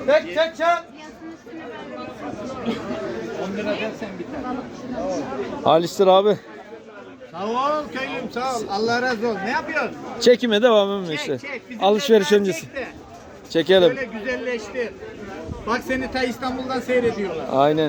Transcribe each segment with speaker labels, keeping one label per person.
Speaker 1: Çek.
Speaker 2: 10 lira dersen biter.
Speaker 3: Alistir abi.
Speaker 2: Sağ ol köylüm sağ ol. Allah razı olsun. Ne yapıyorsun?
Speaker 3: Çekime devam edin işte.
Speaker 2: Çek.
Speaker 3: Alışveriş
Speaker 2: Bizim
Speaker 3: öncesi.
Speaker 2: çek de.
Speaker 3: Çekelim.
Speaker 2: Böyle güzelleştir. Bak seni ta İstanbul'dan seyrediyorlar.
Speaker 3: Aynen.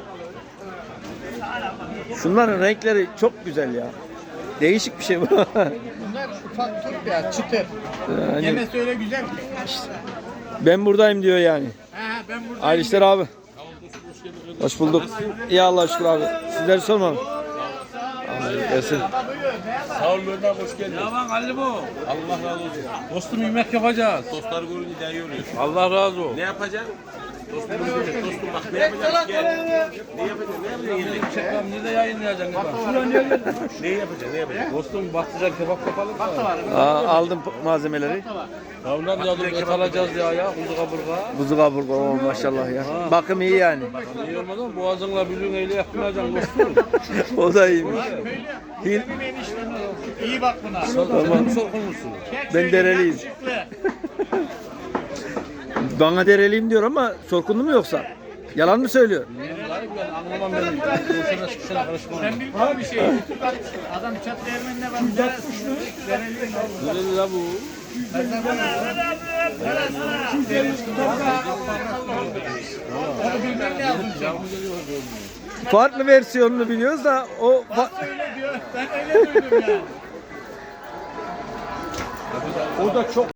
Speaker 3: Şunların renkleri çok güzel ya. Değişik bir şey bu.
Speaker 2: Bunlar ufak Türk ya çıtır.
Speaker 3: Yani
Speaker 2: Yemesi öyle güzel ki.
Speaker 3: ben buradayım diyor yani.
Speaker 2: He ben buradayım.
Speaker 3: Alistir abi. Hoş bulduk. İyi Allah'a şükür abi. Sizleri sormam. Gelsin.
Speaker 4: Sağ ol Mehmet abi, hoş geldin. Ya lan Ali bu. Allah razı olsun. Dostum yemek yapacağız. Dostlar görünce daha iyi oluyor. Allah razı olsun. Ne yapacaksın? Dostum görünce, dostum bak ne yapacaksın? Gel. Ne yapacaksın? Ne yapacaksın? Çekmem nerede yayınlayacaksın? Ne yapacaksın? Ne yapacaksın? Dostum baktılar kebap yapalım mı?
Speaker 3: Aldım malzemeleri.
Speaker 4: Yavrular yazdım et alacağız ya kuzu kaburga.
Speaker 3: Kuzu kaburga maşallah ya. Bakım iyi yani.
Speaker 4: İyi olmaz ama boğazınla büzün eyle yapmayacaksın dostum.
Speaker 3: O da iyiymiş.
Speaker 2: Benim eniştem. İyi bak buna.
Speaker 4: Tamam. Sorkun musun?
Speaker 3: Ben dereliyim. Bana dereliyim diyor ama sorkunlu mu yoksa? Yalan mı söylüyor?
Speaker 4: Ben anlamam benim. Boşuna sıkışana karışmam.
Speaker 2: Sen bilmiyor bir şey. Adam çat değirmenine bak.
Speaker 4: Nerede la bu?
Speaker 3: Farklı versiyonunu biliyoruz da o
Speaker 2: Öyle diyor. Ben öyle duydum yani.
Speaker 3: o da çok